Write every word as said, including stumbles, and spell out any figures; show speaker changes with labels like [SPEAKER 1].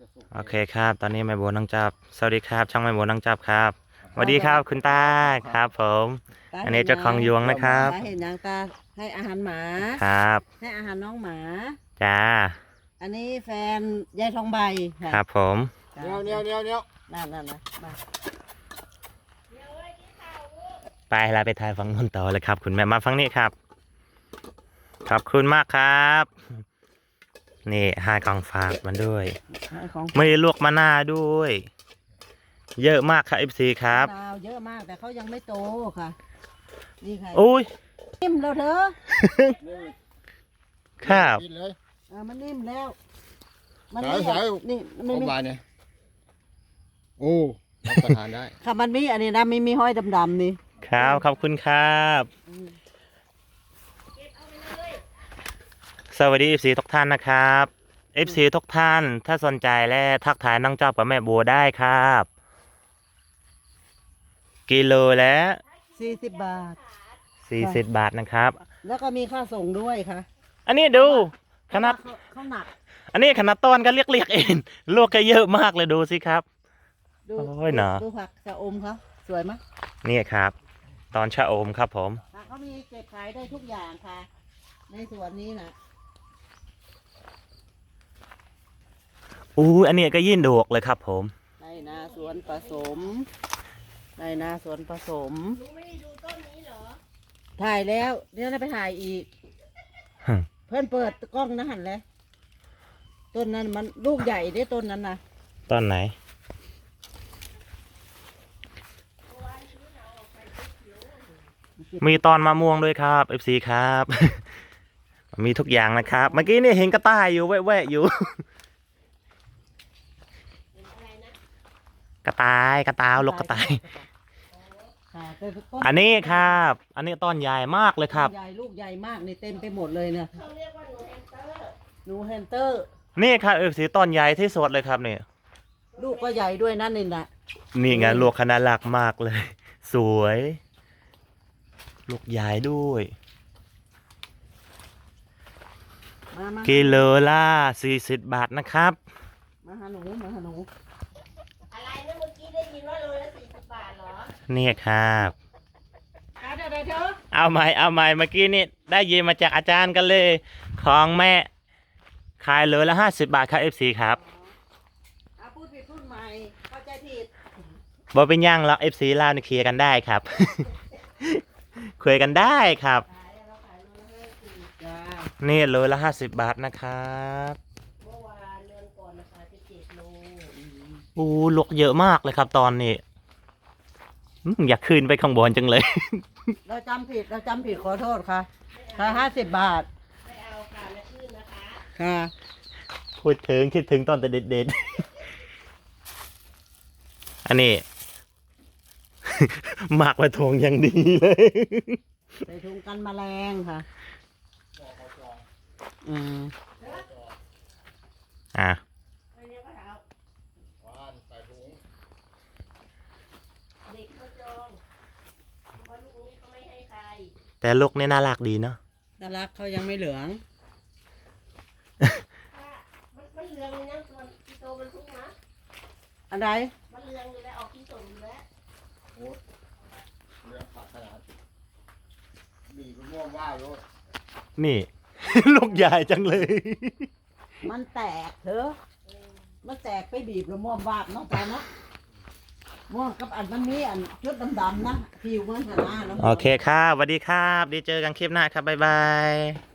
[SPEAKER 1] โอเคครับตอนนี้แม่บัวน้องจับสวัสดีครับช่างแม่บัวน้องจับครับสวัสดีครับคุณตาครับผมอันนี้เจ้าของยวงนะครับ
[SPEAKER 2] ตาเห็นยังตาให้อาหารหมา
[SPEAKER 1] ครับ
[SPEAKER 2] ให้อาหารน้องหมา
[SPEAKER 1] จ้า
[SPEAKER 2] อันนี้แฟนยายทองใบะ
[SPEAKER 1] ครับผม
[SPEAKER 2] จ้ะ
[SPEAKER 3] เนี้ยวเนี้ยวเนี้ยวเนี้ยว
[SPEAKER 2] นั่นนั่นนะมา
[SPEAKER 1] ไปเราไปถ่ายฝั่งนู้นต่อเลยครับ คุณแม่มาฝั่งนี้ครับขอบคุณมากครับนี่ห้ากล่องฝากมันด้วย
[SPEAKER 2] ให้ของ
[SPEAKER 1] ไม่ได้ลวกมะนาวด้วย เยอะมากครับ เอฟ ซี ครับ
[SPEAKER 2] ดาวเยอะมากแต่เขายังไม่โตค่ะนี่ค่ะ
[SPEAKER 1] อุ้ย
[SPEAKER 2] นิ่มแล้วเธอ
[SPEAKER 1] ครับ
[SPEAKER 3] กินเลย
[SPEAKER 2] เออมันนิ่มแล้วมัน
[SPEAKER 3] สายสาย
[SPEAKER 2] นี่มัน
[SPEAKER 3] เข้า
[SPEAKER 2] มี
[SPEAKER 3] ไปเนี่ยโอ้รับประทานได้
[SPEAKER 2] ค่ะมันมีอันนี้นะมีมีห้อยดำๆนี่
[SPEAKER 1] ครับขอบคุณครับ
[SPEAKER 2] อืม
[SPEAKER 1] สวัสดี เอฟ ซี ทุกท่านนะครับ เอฟ ซี ทุกท่านถ้าสนใจและทักทายน้องจับกับแม่บัวได้ครับกิโลแล้ว
[SPEAKER 2] สี่สิบบาท
[SPEAKER 1] สี่สิบบาทนะครับ
[SPEAKER 2] แล้วก็มีค่าส่งด้วยค่ะ
[SPEAKER 1] อันนี้ดูขนาด
[SPEAKER 2] เพระว่เขาเขาหนัก
[SPEAKER 1] อันนี้ขนาดต้นก็เรียกๆเองลวกก็เยอะมากเลยดูสิครับ
[SPEAKER 2] ดู
[SPEAKER 1] โอ้ยหนา
[SPEAKER 2] ดูผักชะอมเขาสวยไหม
[SPEAKER 1] นี่ครับ ตอนชะอมครับผม
[SPEAKER 2] ค่ะเขามีเก็บขายได้ทุกอย่างค่ะ ในสวนนี้นะ
[SPEAKER 1] อู้อันนี้ก็ยิ่งดวกเลยครับผม
[SPEAKER 2] ในนาสวนผสมในนาสวนผสมถ่ายแล้วเดี๋ยวเราไปถ่ายอีก
[SPEAKER 1] ฮึ
[SPEAKER 2] เพื่อนเปิดกล้องนะหันเลยต้นนั้นมันลูกใหญ่ได้ต้นนั้นนะ
[SPEAKER 1] ต้นไหน มีตอนมะม่วงด้วยครับ เอฟ ซี ครับ มีทุกอย่างนะครับ เมื่อกี้นี่เห็นกระต่ายอยู่แวะๆอยู่ กระต่ายกระตาวลูกกระต่าย
[SPEAKER 2] ค่ะแต่ต้
[SPEAKER 1] อันนี้ครับ อันนี้ต้นใหญ่มากเลยครับ
[SPEAKER 2] ใหญ่ลูกใหญ่มากนี่เต็มไปหมดเลยเนี่ยเขาเรียกว่าหนูแฮมสเตอร์
[SPEAKER 1] นี่ครับเอฟซีต้นใหญ่ที่สุดเลยครับนี่
[SPEAKER 2] หนูแฮมสเตอร์ลูกก็ใหญ่ด้วยนั่นนี่นะ
[SPEAKER 1] นี่ไงลูกขนาดหลักมากเลย สวย ลูกใหญ่ด้วย
[SPEAKER 2] มามา
[SPEAKER 1] กิโลละสี่สิบบาทนะครับ
[SPEAKER 2] มาหาหนูมาหาหนู
[SPEAKER 4] อะไรนะเมื่อกี้ได้ยินว่าโลละสี่สิบบาทเหรอ
[SPEAKER 1] นี่ครับ
[SPEAKER 2] เอาเดี๋ยวเดี๋ยวเดี๋ยว
[SPEAKER 1] เอาใหม่เอาใหม่เมื่อกี้นี่ได้ยินมาจากอาจารย์กันเลย ของแม่ขายโลละห้าสิบบาทครับเอฟซีครับ
[SPEAKER 2] เอาพูดผิดพูดใหม่เข้าใจผิด
[SPEAKER 1] บอเป็นย่างแล้วเอฟซีลาวนี่เคลียร์กันได้ครับ คุยกันได้ครับ
[SPEAKER 2] จ้า
[SPEAKER 1] นี่โลละห้าสิบบาทนะครับ
[SPEAKER 4] เมื่อวานเดือนก่อนนะคะที่เจ็ดโล
[SPEAKER 1] อู้ลูกเยอะมากเลยครับตอนนี้อืมอยากขึ้นไปข้างบนจังเลย
[SPEAKER 2] เราจำผิดเราจำผิดขอโทษค่ะค่ะห้าสิบบาท
[SPEAKER 4] ไม่เอาค่ะและขึ้นนะคะ
[SPEAKER 2] ค่ะ
[SPEAKER 1] พูดถึงคิดถึงตอนแต่เด็กๆ อันนี้ หมักไว้ทวงอย่างดีเลย
[SPEAKER 2] ใส่ถุงกันแมลงค่ะอืม
[SPEAKER 1] อ่ะ
[SPEAKER 4] ไม่เรียกว่าเอา
[SPEAKER 3] หวานใส่ถุง
[SPEAKER 4] เด็กเขาจองเพราะลูกนี้เขาไม่ให้ใคร
[SPEAKER 1] แต่ลูกนี่น่ารักดีเนาะ
[SPEAKER 2] น่ารักเขายังไม่เหลือง
[SPEAKER 4] ถ้ามันมันเหลืองเลยนะส่วนที่โตมันทุกนะ
[SPEAKER 2] อันใด
[SPEAKER 4] มันเหลืองอยู่แล้วออกที่สมอยู่แล้ว
[SPEAKER 3] โอ้เรื่องผักขนาดบีบมะม่วงว่าโรด
[SPEAKER 1] นี่ ลูกใหญ่จังเลย
[SPEAKER 2] มันแตกเถอะมันแตกไปบีบแล้วม่วงวาบเนาะจ้าเนาะม่วงกับอันมันมีอันชุดดำๆนะผิวมันหนาเนาะ
[SPEAKER 1] โอเคครับสวัสดีครับ ดีเจอกันคลิปหน้าครับ บ๊ายบาย